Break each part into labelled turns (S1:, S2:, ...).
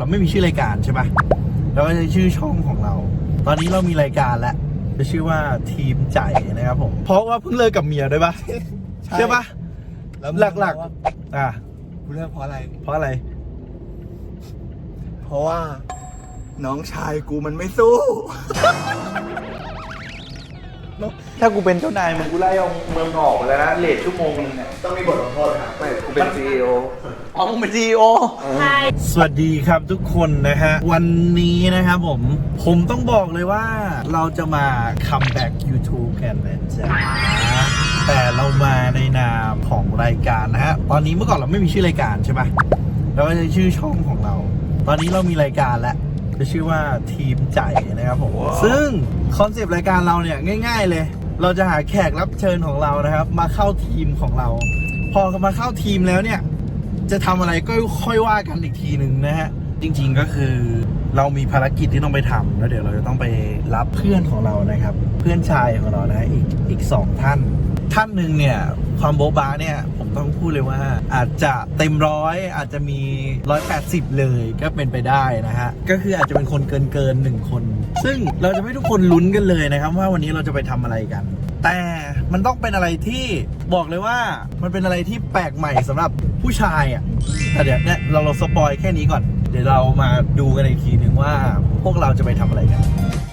S1: เราไม่มีชื่อรายการใช่ปะเราก็จะชื่อช่องของเราตอนนี้เรามีรายการแล้วจะชื่อว่าทีมใจนะครับผมเพราะว่าเพิ่งเลิกกับเมียด้วยปะใช่ปะหลักๆ
S2: กูเลิกเพราะอะไร
S1: เพราะอะไร
S2: เพราะว่าน้องชายกูมันไม่สู้
S1: ถ้ากูเป็นเจ้านายมึงกูไล่เอาเมืองออกไปแล้วนะเลทชั่วโมงนึงเนี่ย
S2: ต้องมีบทลงโทษครับไม่กูเป็น CEO
S1: อ๋อมึงเป็น CEO ใช่สวัสดีครับทุกคนนะฮะวันนี้นะครับผมต้องบอกเลยว่าเราจะมาคัมแบ็ก YouTube กันนะจ๊ะแต่เรามาในนามของรายการนะฮะตอนนี้เมื่อก่อนเราไม่มีชื่อรายการใช่ปะเราก็จะชื่อช่องของเราตอนนี้เรามีรายการแล้วจะชื่อว่าทีมใจนะครับผมซึ่งคอนเซปต์รายการเราเนี่ยง่ายๆเลยเราจะหาแขกรับเชิญของเรานะครับมาเข้าทีมของเราพอมาเข้าทีมแล้วเนี่ยจะทำอะไรก็ค่อยว่ากันอีกทีหนึ่งนะฮะจริงๆก็คือเรามีภารกิจที่ต้องไปทำแล้วเดี๋ยวเราจะต้องไปรับเพื่อนของเรานะครับเพื่อนชายของเรานะอีก2 ท่านหนึ่งเนี่ยความโบ๊ะบ้าเนี่ยผมต้องพูดเลยว่าอาจจะเต็ม100อาจจะมี180เลยก็เป็นไปได้นะฮะก็คืออาจจะเป็นคนเกิน1 คนซึ่งเราจะให้ทุกคนลุ้นกันเลยนะครับว่าวันนี้เราจะไปทำอะไรกันแต่มันต้องเป็นอะไรที่บอกเลยว่ามันเป็นอะไรที่แปลกใหม่สำหรับผู้ชายอ่ะแต่เดี๋ยวเนี่ยเราสปอยแค่นี้ก่อนเดี๋ยวเรามาดูกันอีกทีหนึ่งว่าพวกเราจะไปทำอะไรกัน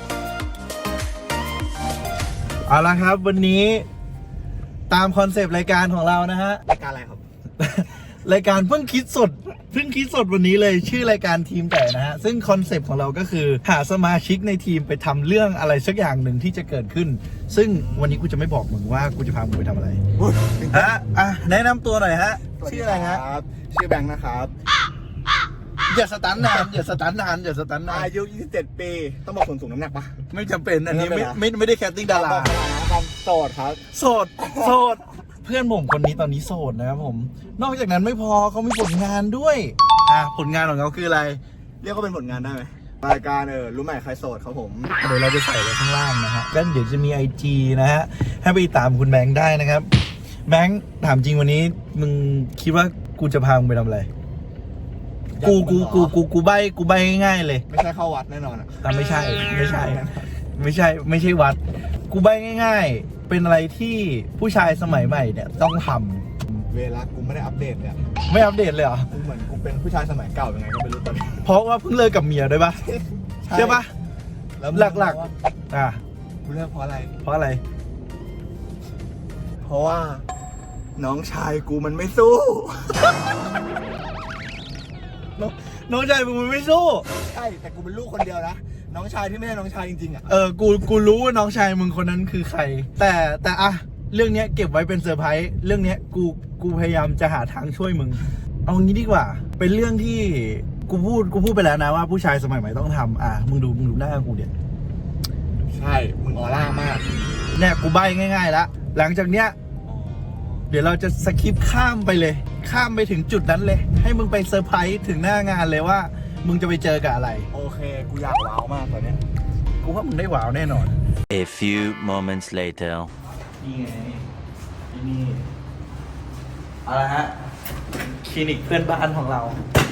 S1: เอาละครับวันนี้ตามคอนเซปต์รายการของเรานะฮะ
S2: รายการอะไรครับ
S1: รายการเพิ่งคิดสดวันนี้เลยชื่อรายการทีมแต่นะฮะซึ่งคอนเซปต์ของเราก็คือหาสมาชิกในทีมไปทำเรื่องอะไรสักอย่างหนึ่งที่จะเกิดขึ้นซึ่งวันนี้กูจะไม่บอกมึงว่ากูจะพามึงไปทำอะไรแนะนำตัวหน่อยฮะชื่ออะไรฮะ
S2: ชื่อแบงค์นะครับ
S1: อย่าสตันนาน
S2: อายุ27 ปีต้องบอกส่วนสูงน้ำหนักปะ
S1: ไม่จำเป็นอันนี้ไม่ได้แคสติ้งดารา
S2: โสดครับ
S1: โสดเพื่อนผมคนนี้ตอนนี้โสดนะครับผมนอกจากนั้นไม่พอเขามีผลงานด้วยผลงานของเขาคืออะไร
S2: เรียกว่าเป็นผลงานได้ไหมรายการรู้ไหมใครโสดครับผม
S1: เดี๋ยวเราจะใส่ไว้ข้างล่างนะฮะแล้วเดี๋ยวจะมี IG นะฮะให้ไปตามคุณแบงค์ได้นะครับแบงค์ถามจริงวันนี้มึงคิดว่ากูจะพามึงไปทำอะไรกูใบง่ายๆเลย
S2: ไม่ใช่เข้าวัดแน่นอน
S1: ไม่ใช่วัดกูใบง่ายๆเป็นอะไรที่ผู้ชายสมัยใหม่เนี่ยต้องท
S2: ำเวลากูไม่ได้อัปเดตเลย
S1: ไม่อัปเดตเลยเหรอ
S2: กูเหมือนกูเป็นผู้ชายสมัยเก่ายังไงก็ไม่รู้ตอนนี้
S1: เพราะว่าเพิ่งเลิกกับเมียด้วยปะใช่ปะหลัก
S2: กูเลิกเพราะอะไร
S1: เพราะ
S2: ว่าน้องชายกูมันไม่สู้
S1: น้องชายมึงมันไม่สู้
S2: ใช่แต่กูเป็นลูกคนเดียวนะน้องชายที่ไม่ใช่น้องชายจริงๆ
S1: กูรู้ว่าน้องชายมึงคนนั้นคือใครแต่เรื่องนี้เก็บไว้เป็นเซอร์ไพรส์เรื่องนี้กูพยายามจะหาทางช่วยมึงเอางี้ดีกว่าเป็นเรื่องที่กูพูดไปแล้วนะว่าผู้ชายสมัยใหม่ต้องทำมึงดูหน้ากูเดี๋ยว
S2: ใช่มึงออร่ามาก
S1: เนี่ยกูใบ้ง่ายๆแล้วหลังจากเนี้ยเดี๋ยวเราจะสคิปข้ามไปเลยข้ามไปถึงจุดนั้นเลยให้มึงไปเซอร์ไพรส์ถึงหน้างานเลยว่ามึงจะไปเจอกับอะไร
S2: โอเคกูอยากว้าวมากตอนนี้
S1: กูว่ามึงได้ว้าวแน่นอน
S3: A few moments later
S1: นี่ไงนี่เอาละฮะคลินิกเพื่อนบ้านของเรา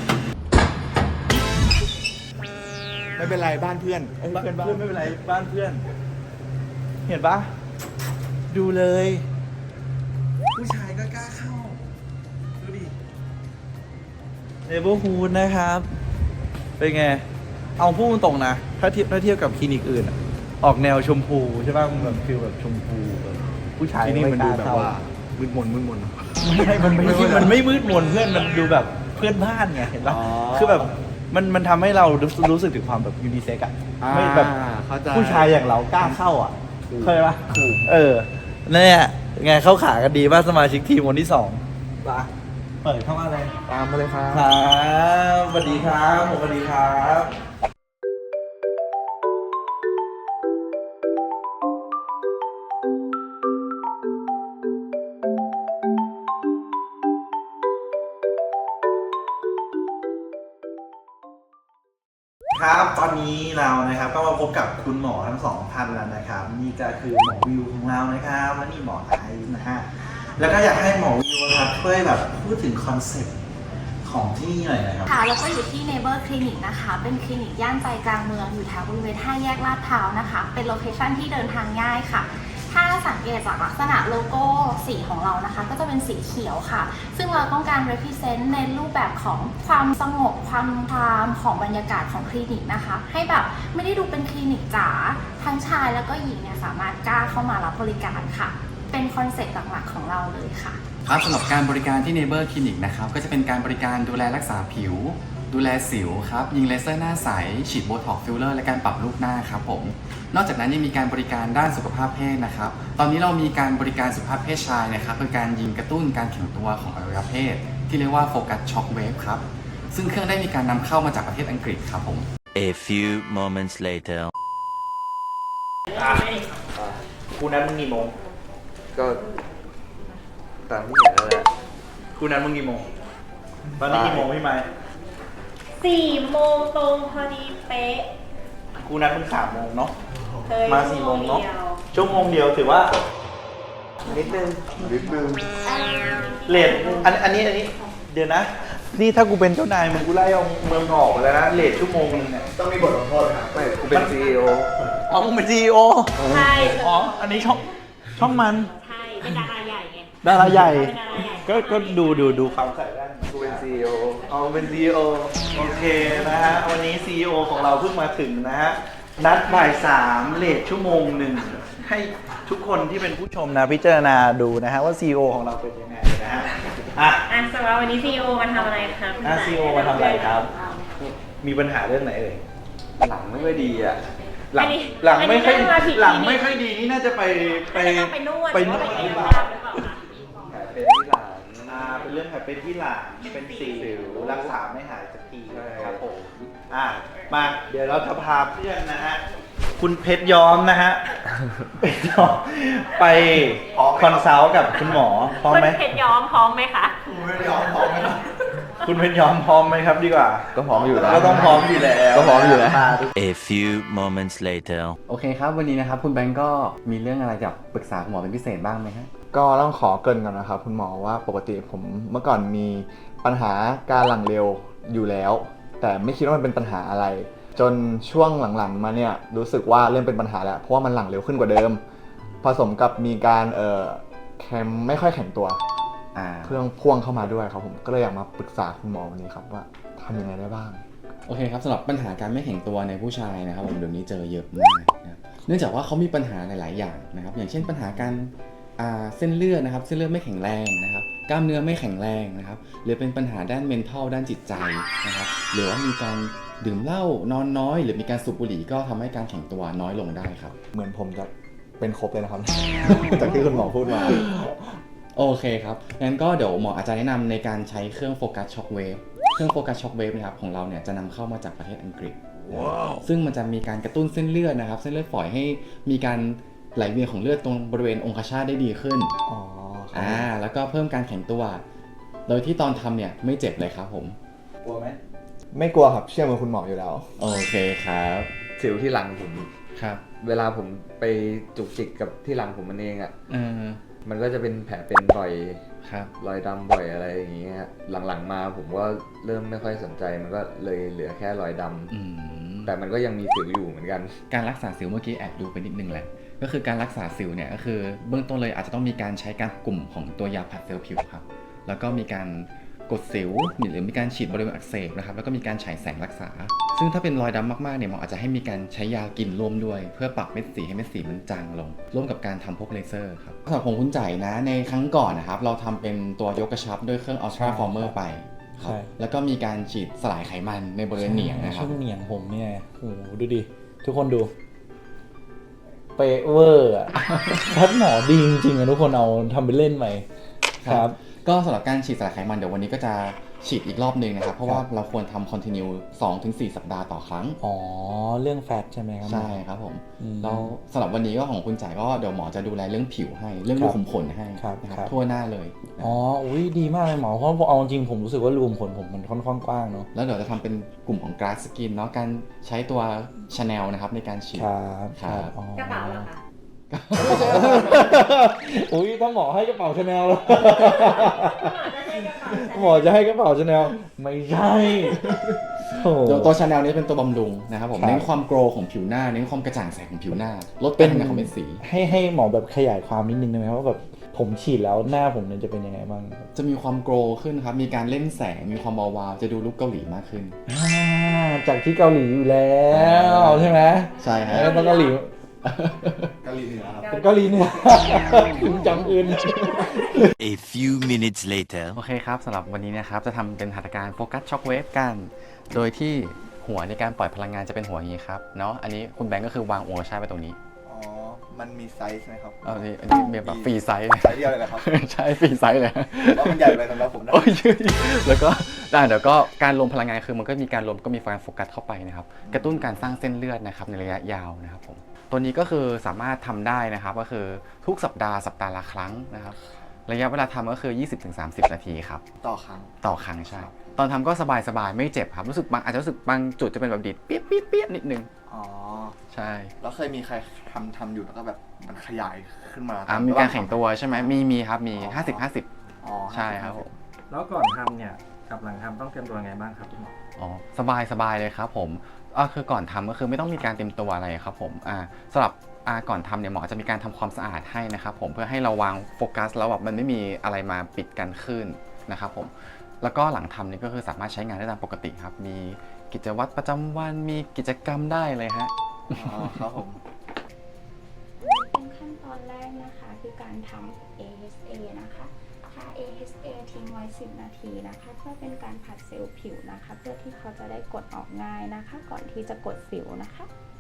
S2: ไม่เป็นไรบ้านเพื่อน
S1: เพื่อนไม่เป็นไรบ้านเพื่อนเห็นปะดูเลยผู้ชายก็กล้าเข้าดูดิเนเบอร์ฮูดนะครับเป็นไงเอาพูดตรงนะถ้าเทียบกับคลินิกอื่นออกแนวชมพูใช่ป่ะมันแบบฟิลแบบชมพูแบบผู้ชาย
S2: ที่นี่มันดูแบบว่ามืดมน
S1: มันไม่มืดมนเพื่อนมันดูแบบเพื่อนบ้านไงเห็นป่ะคือแบบมันทำให้เรารู้สึกถึงความแบบยูนิเซ็กอะไม่แบบผู้ชายอย่างเรากล้าเข้าเคยป่ะเนี่ยไงเข้าขากันดีว่าสมาชิกทีมคนที่2ป่ะเปิดเข้ามาเลย
S2: ตามมาเลยครับ
S1: สวัสดีครับสวัสดีครับครับตอนนี้เรานะครับก็มาพบกับคุณหมอทั้ง2 ท่านแล้วนะครับนี่ก็คือหมอวิวของเรานะครับและนี่หมอไทยนะฮะแล้วก็อยากให้หมอวิวครับช่วยแบบพูดถึงคอนเซ็ปต์ของที่นี่หน่อยนะครับ
S4: ค่ะแล้วก็อยู่ที่ Neighbor Clinic นะคะ เป็นคลินิกย่านใจกลางเมืองอยู่แถวบริเวณ5 แยกลาดพร้าวนะคะ เป็นโลเคชั่นที่เดินทางง่ายค่ะ ถ้าสังเกตจากลักษณะโลโก้สีของเรานะคะ ก็จะเป็นสีเขียวค่ะ ซึ่งเราต้องการ represent ในรูปแบบของความสงบความของบรรยากาศของคลินิกนะคะ ให้แบบไม่ได้ดูเป็นคลินิกจ๋าทั้งชายแล้วก็หญิงเนี่ยสามารถกล้าเข้ามารับบริการค่ะ เป็นคอนเซ็ปต์หลักๆของเราเลยค่ะ
S5: ครับสำหรับการบริการที่ Neighbor Clinic นะครับก็จะเป็นการบริการดูแลรักษาผิว ดูแลสิวครับยิงเลเซอร์หน้าใสฉีดโบท็อกซ์ฟิลเลอร์และการปรับรูปหน้าครับผมนอกจากนั้นยังมีการบริการด้านสุขภาพเพศนะครับตอนนี้เรามีการบริการสุขภาพเพศชายนะครับเป็นการยิงกระตุ้นการแข็งตัวของอวัยวะเพศ ที่เรียกว่าโฟกัสช็อคเวฟครับซึ่งเครื่องได้มีการนำเข้ามาจากประเทศอังกฤษครับผม
S3: A few moments later.
S1: กูนัดมึงกี่โมง
S2: ก็ตามที่เห็นนั่นแหละ
S1: กูนัดมึงกี่โมง ตอนนี้กี่โมงพี่ไม้
S6: 4 โมงตรงพอดีเป๊ะ
S1: กูนัดมึง3 โมงเนาะ
S6: เคย
S1: มา4 โมงเนาะ
S6: ดียว
S1: ชั่วโมงเดียวถือว่า
S2: นิดนึง
S1: เลทอันนี้เดี๋ยวนะ นี่ถ้ากูเป็นเจ้านายมึงกูไล่เอาเมืองออกไปแล้วนะเลทชั่วโมงนึงเนี่ย
S2: ต้องมีบทลงโทษไหมครับไม่กูเป็น CEO
S1: อ๋อมึงเป็น CEO
S6: ใช่
S1: อ๋ออันนี้ช่องมัน
S6: ใช่ เป็นดาราใหญ่ไง
S1: ดาราใหญ่
S6: เป็นดาราใหญ่
S1: ก็ดูความใส่ได้
S2: กูเป็น CEO
S1: อ๋อเป็น CEO โอเคนะฮะวันนี้ CEO ของเราเพิ่งมาถึงนะฮะนัดบ่าย 3เลทชั่วโมงหนึ่งให้ทุกคนที่เป็นผู้ชมนะพิจารณาดูนะฮะว่า CEO ของเราเป็นยังไงนะฮะอ่ะ
S6: สำหรับวันนี้ CEO มาทำอะไรคะคุณ
S1: CEO มาทำอะไรครับ มีปัญหาเรื่องไหนเอ่ย
S2: หลังไม่ค่อยดีอ่ะ
S1: หลัง
S6: หลัง
S1: ไม่ค่อย
S6: มาผิด
S1: หลังไม่ค่อยดีนี่น่าจะไป
S6: ไปนวด
S1: ไปนวด
S6: ห
S1: ห
S6: รื
S1: รือ อ
S6: เป
S1: เป
S6: ล่า
S1: ล่า
S6: หรือเปล่าคะ
S2: แผลเป็นที่หลัง
S1: เป็นเรื่องแผลเป็นที่หลังเป็นสิวรักษาไม่หายสักที
S2: ใช่
S1: ครับผมมาเดี๋ยวเราจะพาเพื่อนนะฮะคุณเพชรย้อมนะฮะ เพชรย้อมไปคอนซัลท์กับคุณหมอพร้อม
S6: คุณ
S1: ไหม
S6: เพชรย้อมพร้อมไหมคะ
S1: คุณเพชรย้อมพร้อมไหมคุณเพชรย้อมพร้อมไหมครับดีกว่า
S2: ก็พร้อมอยู่แล้ว
S1: ก็ต้องพร้อมอยู่แล้ว
S2: ก็พร้อมอยู่แล้ว
S3: A few moments later.
S5: โอเคครับวันนี้นะครับคุณแบงก์ก็มีเรื่องอะไรจะปรึกษาคุณหมอเป็นพิเศษบ้างไหมฮะ
S2: ก็ต้องขอเกริ่นก่อนนะครับคุณหมอว่าปกติผมเมื่อก่อนมีปัญหาการหลังเร็วอยู่แล้ว แต่ไม่คิดว่ามันเป็นปัญหาอะไร จนช่วงหลังๆมาเนี่ยรู้สึกว่าเริ่มเป็นปัญหาแล้วเพราะว่ามันหลังเร็วขึ้นกว่าเดิม ผสมกับมีการแคมไม่ค่อยแข็งตัวเครื่องพ่วงเข้ามาด้วยครับผมก็เลยอยากมาปรึกษาคุณหมอวันนี้ครับว่าทำยังไงได้บ้าง
S5: โอเคครับสำหรับปัญหาการไม่แข็งตัวในผู้ชายนะครับผมเดี๋ยวนี้เจอเยอะมากนะครับเนื่องจากว่าเขามีปัญหาหลายๆอย่างนะครับอย่างเช่นปัญหาการเส้นเลือดนะครับเส้นเลือดไม่แข็งแรงนะครับกล้ามเนื้อไม่แข็งแรงนะครับหรือเป็นปัญหาด้าน mental ด้านจิตใจนะครับหรือว่ามีการดื่มเหล้านอนน้อย หรือมีการสูบบุหรี่ก็ทำให้การแข็งตัวน้อยลงได้ครับ
S2: เหมือนผมจะเป็นครบเลยนะครับ จากที่คุณหมอพูดมา
S5: โอเคครับงั้นก็เดี๋ยวหมออาจจะแนะนำในการใช้เครื่องโฟกัสช็อคเวฟเครื่องโฟกัสช็อคเวฟนะครับของเราเนี่ยจะนำเข้ามาจากประเทศอังกฤษ ซึ่งมันจะมีการกระตุ้นเส้นเลือดนะครับเส้นเลือดฝอยให้มีการไหลเวียนของเลือดตรงบริเวณองคชาตได้ดีขึ้น
S2: อ๋อ
S5: แล้วก็เพิ่มการแข็งตัว โดยที่ตอนทำเนี่ยไม่เจ็บเลยครับผม
S1: กลัวไหม
S2: ไม่กลัวครับเชื่อมือคุณหมออยู่แล้ว
S5: โอเคครับ
S7: สิวที่หลังผม
S5: ครับ
S7: เวลาผมไปจุกจิกกับที่หลังผมมันเองอ่ะ
S5: อืม
S7: มันก็จะเป็นแผลเป็นบ่อย
S5: ครับ
S7: รอยดำบ่อยอะไรอย่างเงี้ยหลังๆมาผมก็เริ่มไม่ค่อยสนใจมันก็เลยเหลือแค่รอยดำ
S5: อืม
S7: แต่มันก็ยังมีสิวอยู่เหมือนกัน
S5: การรักษาสิวเมื่อกี้แอบดูไปนิดนึงแหละก็คือการรักษาสิวเนี่ยก็คือเบื้องต้นเลยอาจจะต้องมีการใช้การกลุ่มของตัวยาผัดเซลล์ผิวครับแล้วก็มีการกดสิวหรือมีการฉีดบริเวณอักเสบนะครับแล้วก็มีการฉายแสงรักษา ซึ่งถ้าเป็นรอยดำมากๆเนี่ยหมออาจจะให้มีการใช้ยากินร่วมด้วย เพื่อปรับเม็ดสีให้เม็ดสีมันจางลงร่วมกับการทำพวกเลเซอร์ครับสำหรับของคุณใจนะในครั้งก่อนนะครับเราทำเป็นตัวยกกระชับด้วยเครื่อง Ultra Former ไปครับแล้วก็มีการฉีดสลายไขมันในบริเวณเหนียงนะครับ
S1: ช่วงเหนียงผมเนี่ยโอ้โหดูดิทุกคนดูเป๊ะเวอร์อะแพทย์หมอดีจริงๆอะทุกคนเอาทำไปเล่นไหมครับ
S5: ก็สำหรับการฉีดสลายไขมันเดี๋ยววันนี้ก็จะฉีดอีกรอบหนึ่งนะครับเพราะว่าเราควรทำ continue 2-4 สัปดาห์ต่อครั้ง
S1: อ๋อเรื่องแฟตใช่ไหมครับ
S5: ใช่ครับผม
S1: อืม
S5: แล้วสำหรับวันนี้ก็ของคุณจ่ายก็เดี๋ยวหมอจะดูแลเรื่องผิวให้เรื่องรูขุมขนให้
S1: ครับ
S5: นะค
S1: ครั
S5: รับบ ทั่วหน้าเลยนะ
S1: อ๋ออุ้ยดีมากเลยหมอเพราะเอาจริงผมรู้สึกว่ารูมขนผมมันค่อนข้างกว้างเนาะ
S5: แล้วเดี๋ยวจะทำเป็นกลุ่มของ grass skin เนาะการใช้ตัว Chanel นะครับในการฉีด
S1: ครับ
S5: ครับ
S1: อ๋อก
S6: ระเป๋าเหรอคะ
S1: อุ้ยต้องหมอให้กระเป๋าชาแนลแล้ว
S6: คุณหมอจะใช้
S2: หมอจะให้กระเป๋าชาแนลไม่ใช่โอ้โห
S5: ตัวชาแนลนี้เป็นตัวบำรุงนะครับผม
S2: ครับ
S5: เน้นความโกรของผิวหน้าเน้นความกระจ่างใสของผิวหน้าลด
S2: เป็
S5: กาน รทำงานของเม็ดสี
S2: ให้หมอแบบขยายความนิดนึงได้ไหมว่าแบบผมฉีดแล้วหน้าผมเนี่ยจะเป็นยังไงบ้าง
S5: จะมีความโกรขึ้นครับมีการเล่นแสงมีความวาวๆจะดูลุคเกาหลีมากขึ้น
S2: จากที่เกาหลีอยู่แล้วใช่ไหม
S5: ใช่ครับ
S2: แล้วต้องเกาหลี
S5: เกาหลีเหนือครับ
S2: เป็นเกาหลีเหนือคุณจำอื่น
S3: A few minutes later.
S5: โอเคครับสำหรับวันนี้นะครับจะทำเป็นหัตถการโฟกัสช็อคเวฟกัน โดยที่หัวในการปล่อยพลังงานจะเป็นหัวอย่างนี้ครับเนาะอันนี้คุณแบงก์ก็คือวางหัวชาร์จไปตรงนี้
S2: อ๋อมันมีไซส์ไหมครับ
S5: อันนี้มีแบบฟรีไซส์
S2: ไซส์เดียวเลยเหรอครับ
S5: ใช่ฟรีไซส์เลย
S2: ว่ามันใหญ่ไปสำหรับผมนะ
S5: โอ้ยแล้วก็เดี๋ยวก็การรวมพลังงานคือมันก็มีการรวมก็มีการโฟกัสเข้าไปนะครับกระตุ้นการสร้างเส้นเลือดนะครับในระยะยาวนะครับผมตัวนี้ก็คือสามารถทำได้นะครับก็คือทุกสัปดาห์ละครั้งนะครับระยะเวลาทำก็คือ 20-30 นาทีครับ
S2: ต่อครั้ง
S5: ต่อครั้งใช่ ตอนทำก็สบายๆไม่เจ็บครับรู้สึกอาจจะรู้สึกบางจุดจะเป็นแบบดีดเปี้ยนิดนึง
S2: อ๋อ
S5: ใช่
S2: แล้วเคยมีใครทำอยู่แล้วก็แบบมันขยายขึ้นมา
S5: มีการแข่งตัวใช่ไหมมีครับมี 50-50
S2: อ๋อ
S5: ใช่ครับผม
S8: แล้วก่อนทำเนี่ยกับหลังทำต้องเตรียมตัวไงบ้างครับคุณหมอ
S5: อ๋อสบายเลยครับผมคือก่อนทำก็คือไม่ต้องมีการเตรียมตัวอะไรครับผมสำหรับก่อนทำเนี่ยหมอจะมีการทำความสะอาดให้นะครับผมเพื่อให้เราวางโฟกัสแล้วแบบมันไม่มีอะไรมาปิดกันขึ้นนะครับผมแล้วก็หลังทำนี่ก็คือสามารถใช้งานได้ตามปกติครับมีกิจวัตรประจำวันมีกิจกรรมได้เลยฮะ
S2: อ๋อครับผม
S4: เป็นขั้นตอนแรกนะคะคือการทำ AHA นะคะถ้า AHA ทิ้งไว้ 10 นาทีนะคะเพื่อเป็นการผัดเซลล์ผิวนะคะเพื่อที่เขาจะได้กดออกง่ายนะคะ ก่อนที่จะกดสิวนะคะ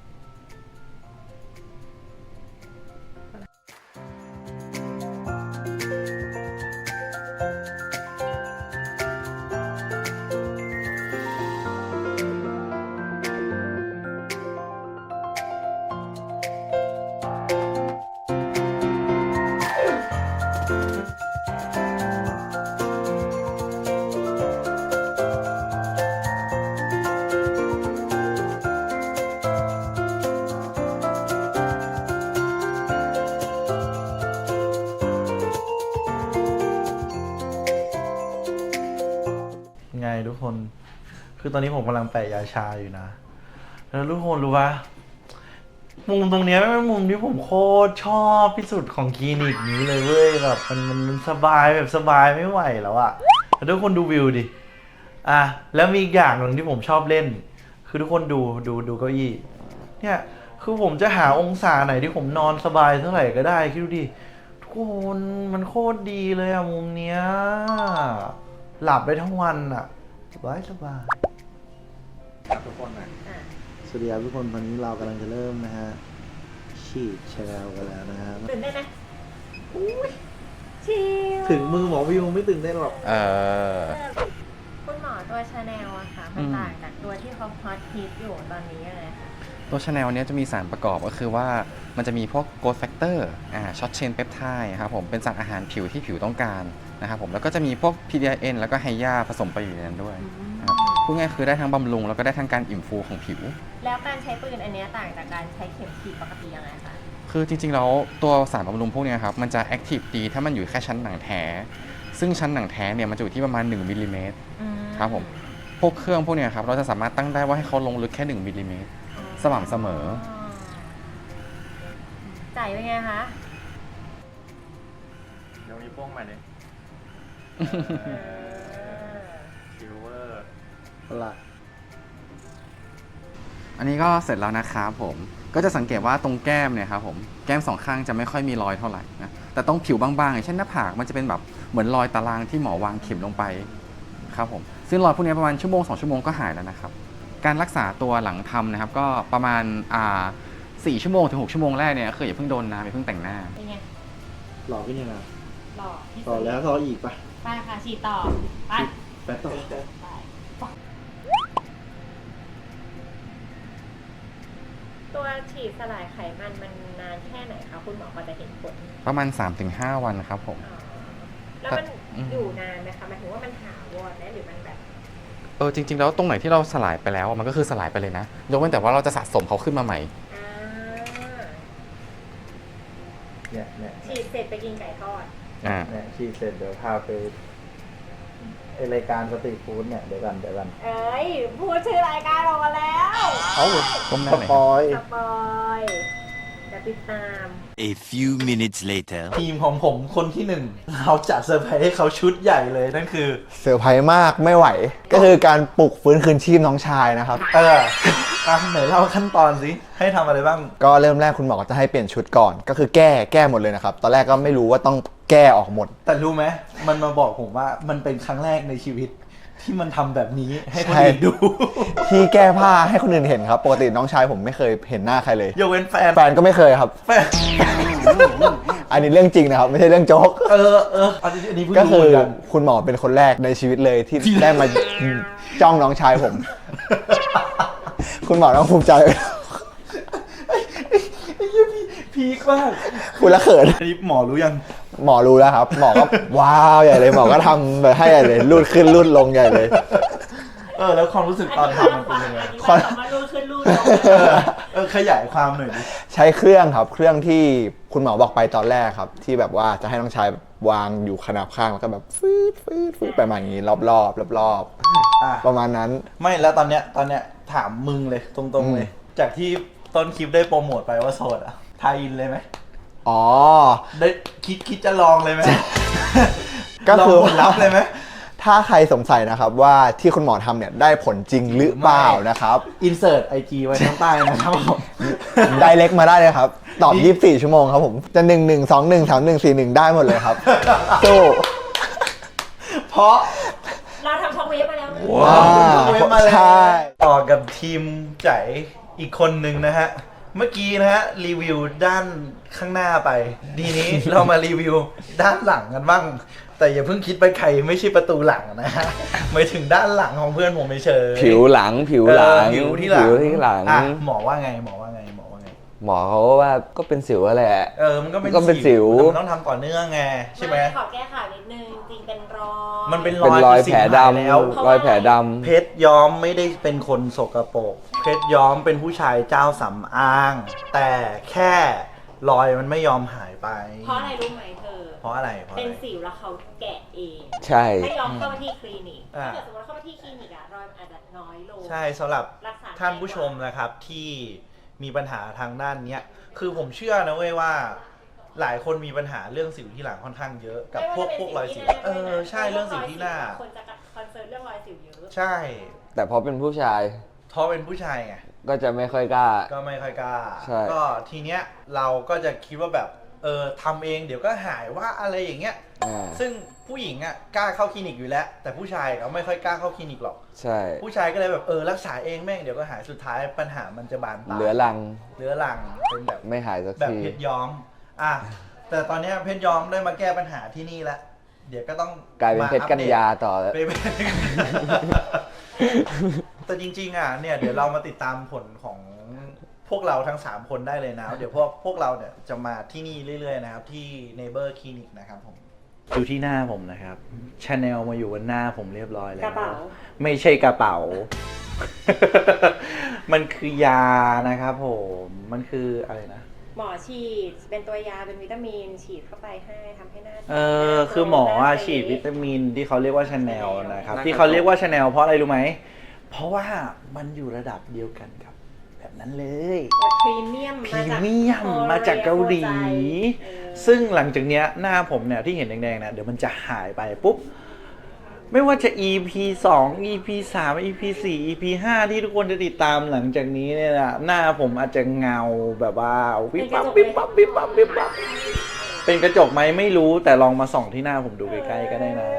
S1: ไงทุกคน คือตอนนี้ผมกำลังแปะยาชาอยู่นะ แล้วทุกคนรู้ปะมุมตรงเนี้ยเป็นมุมที่ผมโคตรชอบที่สุดของคลินิกนี้เลยเว้ยแบบมันสบายแบบสบายไม่ไหวแล้วอะแล้วทุกคนดูวิวดิ แล้วมีอีกอย่างหนึ่งที่ผมชอบเล่น คือทุกคนดูเก้าอี้ เนี่ย คือผมจะหาองศาไหนที่ผมนอนสบายเท่าไหร่ก็ได้คิดดูดิ ทุกคนมันโคตรดีเลยอะมุมเนี้ย หลับได้ทั้งวันอะสบาย
S2: ครับทุกคนนะสวัสดีครับทุกคนตอนนี้เรากำลังจะเริ่มนะฮะฉีดแชลกันแล้วนะฮะ
S6: ตื่นได้นไหมชิล
S2: ถึงมือหมอวิวไม่ตื่นเต้นหรอก
S6: คุณหมอตัวชาแนลอะค่ะมันต่างจากตัวที่เขาฮอตฮิตอยู่ตอนนี้ยังไงคะ
S5: ตัวชาแนลเนี้ยจะมีสารประกอบก็คือว่ามันจะมีพวกโกรทแฟกเตอร์ช็อตเชนเปปไทด์ครับผมเป็นสารอาหารผิวที่ผิวต้องการนะครับผมแล้วก็จะมีพวก PDIN แล้วก็ไฮยาผสมไปอยู่ในนั้นด้วยนะครับพูดง่ายคือได้ทั้งบำรุงแล้วก็ได้ทั้งการอิ่มฟูของผิว
S6: แล้วการใช้ปืนอันเนี้ยต่างจากการใช้เข็มฉีดปกติยังไงคะ
S5: คือจริงๆแล้วตัวสารบำรุงพวกเนี้ยครับมันจะแอคทีฟดีถ้ามันอยู่แค่ชั้นหนังแท้ ซึ่งชั้นหนังแท้เนี่ยมันจะอยู่ที่ประมาณ1มิลลิเมตรครับผมพวกเครื่องพวกเนี้ยครับเราจะสามารถตั้งได้ว่าให้เขาลงลึกแค่1มิลลิเมตรสม่ำเสมอ
S6: จ่ายเป็นไงคะ
S8: เดี๋ยวมีโป้งมาเลยซิลเวอร์
S2: ละ
S5: อันนี้ก็เสร็จแล้วนะครับผมก็จะสังเกตว่าตรงแก้มเนี่ยครับผมแก้มสองข้างจะไม่ค่อยมีรอยเท่าไหร่นะแต่ตรงผิวบางๆอย่างเช่นหน้าผากมันจะเป็นแบบเหมือนรอยตารางที่หมอวางเข็มลงไปครับผมซึ่งรอยพวกนี้ประมาณ1-2 ชั่วโมงก็หายแล้วนะครับการรักษาตัวหลังทำนะครับก็ประมาณ4 ชั่วโมงถึง 6 ชั่วโมงแรกเนี่ยคืออย่าเพิ่งโดนน้ำอย่าเพิ่งแต่งหน้า
S6: เป็นไง
S2: หล่อขึ้นยังไง
S6: หล่อที่สุด
S2: ต่อแล้วต่ออีกปะ
S6: ไปค่ะฉีดต่อไป
S2: แป๊บต่อ
S6: ตัวฉีดสลายไขมันมันนานแค่ไหนคะคุณหมอกว่าจะเห็นผล
S5: ประมาณ 3-5 วันครับผม
S6: แล้วมันอยู่นานไหมคะหมายถึงว่ามันถาวรไหมหรือมันแบบ
S5: จริงๆแล้วตรงไหนที่เราสลายไปแล้วมันก็คือสลายไปเลยนะยกเว้นแต่ว่าเราจะสะสมเขาขึ้นมาใหม่
S2: เนี่ย
S6: ฉีดเสร็จไปกินไก่ทอด
S2: เนี่ยฉีดเสร็จเดี๋ยวพาไป
S1: รายการสตรีทฟู้ดเนี่ยเดี๋ยวกัน
S6: เอ้ย พูดชื่อรายการออกมาแล้ว
S1: เอ้า
S5: ก้มหน้า
S1: ส
S5: หน่อย
S1: ปอย
S6: สปอยจะติดตาม
S3: A few minutes later.
S1: ทีมของผมคนที่หนึ่งเราจัดเซอร์ไพรส์ให้เขาชุดใหญ่เลยนั่นคือ
S2: เซอร์ไพรส์มากไม่ไหว ก็คือการปลุกฟื้นคืนชีพน้องชายนะครับ
S1: ไหนเล่าขั้นตอนสิให้ทำอะไรบ้าง
S2: ก็เริ่มแรกคุณหมอก็จะให้เปลี่ยนชุดก่อน ก็คือแก้หมดเลยนะครับ ตอนแรกก็ไม่รู้ว่าต้องแก้ออกหมด
S1: แต่รู้ไหมมันมาบอกผมว่ามันเป็นครั้งแรกในชีวิตที่มันทำแบบนี้ให้คน
S2: ใช่
S1: อื่นดู
S2: ที่แก้ผ้าให้คนอื่นเห็นครับ ปกติน้องชายผมไม่เคยเห็นหน้าใครเลย
S1: ยกเว้นแฟน
S2: แฟนก็ไม่เคยครับ
S1: แฟน
S2: อันนี้เรื่องจริงนะครับ ไม่ใช่เรื่องโจ๊ก
S1: อันนี้เพิ่ง
S2: ก็
S1: รู้
S2: คื
S1: เห
S2: อ
S1: มือนกัน
S2: คุณหมอเป็นคนแรกในชีวิตเลยที่ได้มาจ้องน้องชายผม คุณหมอต้องภูมิใจ
S1: พีคมาก
S2: คุณละเขิน
S1: อันนี้หมอรู้ยัง
S2: หมอรู้แล้วครับ หมอก็ ว้าวใหญ่เลยหมอก็ทำแบบให้ใหญ่เลยรูดขึ้นรูดลงใหญ่เลย
S1: แล้วความรู้สึกตอนทำมันเป็นยังไง
S6: อันนี้มารูดขึ้นรูดลง
S1: ขยายความหน่อยดิ
S2: ใช้เครื่องครับ เครื่องที่คุณหมอบอกไปตอนแรกครับ ที่แบบว่าจะให้น้องชายวางอยู่ขนาบข้างแล้วก็แบบฟืดไปมาอย่างนี้รอบประมาณนั้น
S1: ไม่แล้วตอนเนี้ยถามมึงเลยตรงๆเลย จากที่ต้นคลิปได้โปรโมทไปว่าโสดอะทายอินเลยไหม
S2: อ๋อ
S1: ได้คิดจะลองเลยไหม
S2: ก็คือ
S1: ลองผลลัพธ์เลยไหม
S2: ถ้าใครสงสัยนะครับว่าที่คุณหมอทำเนี่ยได้ผลจริงหรือเปล่านะครับ
S1: อินเสิร์ตไอจีไว้ข้างใต้นะครับผม
S2: ไดเรกมาได้เลยครับ ตอบ 24 ชั่วโมงครับผม จะ 11213141 ได้หมดเลยครับสู้
S1: เพราะ
S6: เราทำช็อกเวฟมาแล้ว
S2: ว้าว
S1: เว็บมาแล้ว
S2: ใช่
S1: ต่อกับทีมใจอีกคนหนึ่งนะฮะ เมื่อกี้นะฮะรีวิวด้านข้างหน้าไปดีนี้ เรามารีวิวด้านหลังกันบ้าง แต่อย่าเพิ่งคิดไปใครไม่ใช่ประตูหลังนะฮะหมายถึงด้านหลังของเพื่อนผมเฉยๆ
S7: ผิวหลัง
S1: ผิวที่หลัง อ่ะหมอว่าไง
S7: หมอเขาว่าก็เป็นสิวแหละ
S1: มันก็เป็น
S7: ก็เป็นสิว
S1: แต่มันต้องทำต่อเนื่องไงใช่ไหม
S6: ขอแก้ข่าวนิดนึง จริงเป็นรอย
S1: มันเป็น
S7: เป็นรอย
S1: คือสิ่
S7: แผล
S1: ง
S7: ด
S1: หายแล้ว
S7: ำรอยแผลดำ
S1: เพชรย้อมไม่ได้เป็นคนสกปรกเพชรย้อมเป็นผู้ชายเจ้าสำอาง แต่แค่รอยมันไม่ยอมหายไป
S6: เพราะอะไรรู้ไหมเธอ
S1: เพราะอะไร
S6: เป็นสิวแล้วเขาแกะเอง
S7: ใช่
S6: ไม่ยอมเข้ามาที่คลินิก
S1: อ่า
S6: ถ้าเกิดสมมติเข้ามาที่คลินิกอะรอยมันอาจจะน้อยลง
S1: ใช่สำหรับ
S6: รักษา
S1: ท่านผู้ชมนะครับที่มีปัญหาทางด้านเนี้ยคือผมเชื่อนะเว้ยว่าหลายคนมีปัญหาเรื่องสิวที่หลังค่อนข้างเยอะกับพวกรอยสิวใช่เรื่องสิวที่หน้า
S6: คนจะคอนเซิร์นเรื่องรอยสิวเยอะ
S1: ใช่
S7: แต่พอเป็นผู้ชาย
S1: เพราะเป็นผู้ชายไง
S7: ก็จะไม่ค่อยกล้า
S1: ก็ไม่ค่อยกล้า
S7: ใช่
S1: ก็ทีเนี้ยเราก็จะคิดว่าแบบทำเองเดี๋ยวก็หายว่าอะไรอย่างเงี้ย ซึ่งผู้หญิงอ่ะกล้าเข้าคลินิกอยู่แล้ว แต่ผู้ชายเขาไม่ค่อยกล้าเข้าคลินิกหรอก
S7: ใช่
S1: ผู้ชายก็เลยแบบรักษาเองแม่งเดี๋ยวก็หายสุดท้ายปัญหามันจะบานปลาย
S7: เหลือรัง
S1: เรื้อรังเป็นแบบ
S7: ไม่หายสัก
S1: แบบ
S7: ที
S1: เพชรย้อมแต่ตอนเนี้ยเพชรย้อมได้มาแก้ปัญหาที่นี่แล้วเดี๋ยวก็ต้อง
S7: กลายเป็นเพชรกัญญาต่อแล้ว
S1: แต่จริงๆอ่ะเนี่ยเดี๋ยวเรามาติดตามผลของพวกเราทั้ง3คนได้เลยนะเดี๋ยวพวกเราเนี่ยจะมาที่นี่เรื่อยๆนะครับที่ Neighbor Clinic นะครับผมดูที่หน้าผมนะครับ Chanel มาอยู่บนหน้าผมเรียบร้อยแล้ว
S6: กระเป๋า
S1: ไม่ใช่กระเป๋า มันคือยานะครับผมมันคืออะไรนะ
S6: หมอฉีดเป็นตัวยาเป็นวิตามินฉีดเข้าไปให้ทำให้หน้า
S1: คือหมอฉีดวิตามินที่เขาเรียกว่า Chanel นะครับที่เขาเรียกว่า Chanel เพราะอะไรรู้ไหมเพราะว่ามันอยู่ระดับเดียวกันครับแบบนั้นเลย
S6: พรีเมียม
S1: มาจากเกาหลี ซึ่งหลังจากเนี้ยหน้าผมเนี่ยที่เห็นแดงๆนะเดี๋ยวมันจะหายไปปุ๊บไม่ว่าจะ EP 2 EP 3 EP 4 EP 5 ที่ทุกคนจะติดตามหลังจากนี้เนี่ยนะหน้าผมอาจจะเงาแบบว่าวิบวับวิบวับวิบวับวิบวับเป็นกระจกไหมไม่รู้แต่ลองมาส่องที่หน้าผมดูใกล้ๆก็ได้นะ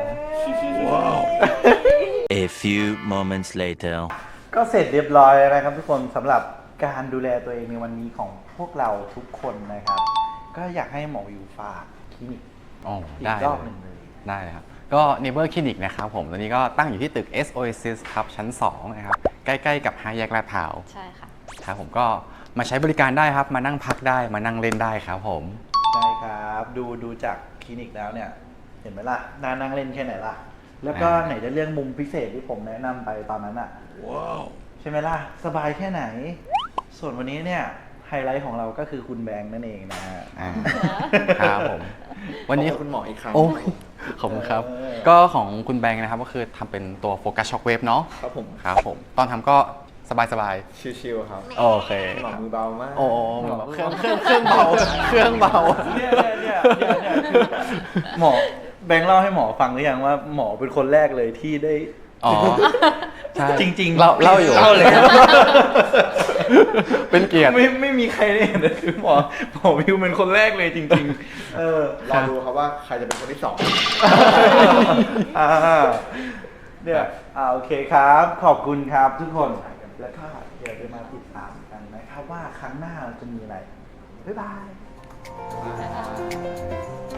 S3: A few moments later.
S1: ก็เสร็จเรียบร้อยแล้วนะครับทุกคนสำหรับการดูแลตัวเองในวันนี้ของพวกเราทุกคนนะครับ ก็อยากให้หมออยู่ฝากคลินิก
S5: อ๋อ
S1: อี
S5: ได้
S1: กรอบหนึ่งเลย
S5: ได้เลยครับ ก็ Neighbor Clinic นะครับผม ตอนนี้ก็ตั้งอยู่ที่ตึก S Oasis ครับ ชั้น 2 นะครับ ใกล้ๆกับ5 แยกลาดพร้าว
S4: ใช่ค่ะ
S5: ครับผมก็มาใช้บริการได้ครับ มานั่งพักได้ มานั่งเล่นได้ครับผม
S1: ใช่ครับดูจากคลินิกแล้วเนี่ย เห็นไหมล่ะน่านั่งเล่นแค่ไหนล่ะ แล้วก็ไหนจะเรื่องมุมพิเศษที่ผมแนะนำไปตอนนั้นอ่ะใช่ไหมล่ะ สบายแค่ไหน ส่วนวันนี้เนี่ยไฮไลท์ของเราก็คือคุณแบงค์นั่นเองนะฮะ
S5: ครับผม วันนี้
S2: คุณหมออีกครั้ง
S5: โอ้ขอบคุณครับ ก็ของคุณแบงค์นะครับก็คือทำเป็นตัวโฟกัสช็อคเวฟเนาะ
S2: ครับผม
S5: ครับผม ตอนทำก็สบาย
S2: ชิวๆครับ
S5: ๆ โอเค
S2: หมอมือเบามาก
S5: โอ้เหมือนแบบเครื่องเบา เครื่องเบา
S1: เนี่ยคือหมอแบงค์เล่าให้หมอฟังหรือยังว่าหมอเป็นคนแรกเลยที่ได้
S5: อ๋อ ใช่
S1: จริงๆ
S5: เล่าอยู่
S1: เล่าเลย
S5: เป็นเกียรติ
S1: ไม่มีใครได้เห็นเลยคือหมอวิวเป็นคนแรกเลยจริงๆ
S2: รอดูครับว่าใครจะเป็นคนที่สอง
S1: อ่าเนี่ยโอเคครับ ขอบคุณครับทุกคน แล้วก็เดี๋ยวจะมาติดตามกันนะครับว่าครั้งหน้าเราจะมีอะไร บ๊ายบาย